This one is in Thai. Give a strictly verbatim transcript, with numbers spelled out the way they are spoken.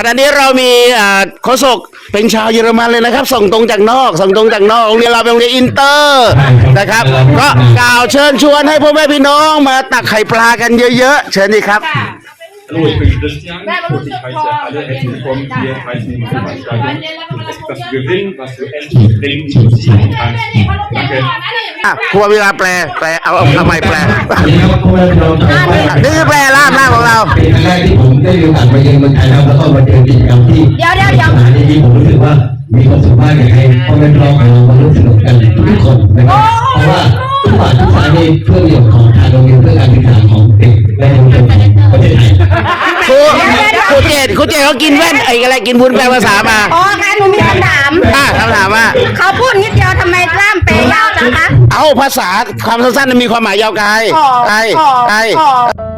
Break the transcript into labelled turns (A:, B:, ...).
A: ขณะนี้เรามีโฆษกเป็นชาวเยอรมันเลยนะครับส่งตรงจากนอกส่งตรงจากนอกโรงเรียนเราเป็นโรงเรียนอินเตอร์นะครับก็กล่าวเชิญชวนให้พ่อแม่พี่น้องมาตักไข่ปลากันเยอะๆเชิญดีครับ
B: Hallo, ich bin Christian und ich heiße alle herzlich willkommen hier bei dieser Veranstaltung. Es ist das Gewinn, was du endlich bringen und ziehen kannst. Danke.
A: อ่ะครัวเวลาแปลแปลเอาเอาทำไมแปลนี่คือแปลล่ามล่ามของเรา
C: เป็นครั้งแรกที่ผมได้มีโอกาสมาเยือนเมืองไทยแล้วแล้วก็มาเจอกิจกรรมที่
D: เดี๋ยวเดี๋ยวเดี๋ยว
C: สถานที่ผมรู้สึกว่ามีความสุขมากอยากให้พ่อแม่พี่น้องของเรามาร่วมสนุกกันทุกคนนะครับเพราะว่าทุกฝ่ายทุกฝ่ายนี่เพื่อประโยชน์ของทางโรงเรียนเพื่อการศึกษาของเด็กและเยาวชนของประเทศไทย
A: ครูครูเจดครูเจดเขากินแว่นไอ้อะไรกินบุญแปลภาษามา
D: อ๋อค่ะหนูมีคำถาม
A: อ่ะคำถามว่า
D: เขาพูดนิดเดียวทำไมล่ามเปยยาวจังคะ
A: เอาภาษาความสั้นๆมีความหมายยาวไกล
D: ขอ
A: ไกล
D: ขอ
A: ไกล
D: ขอ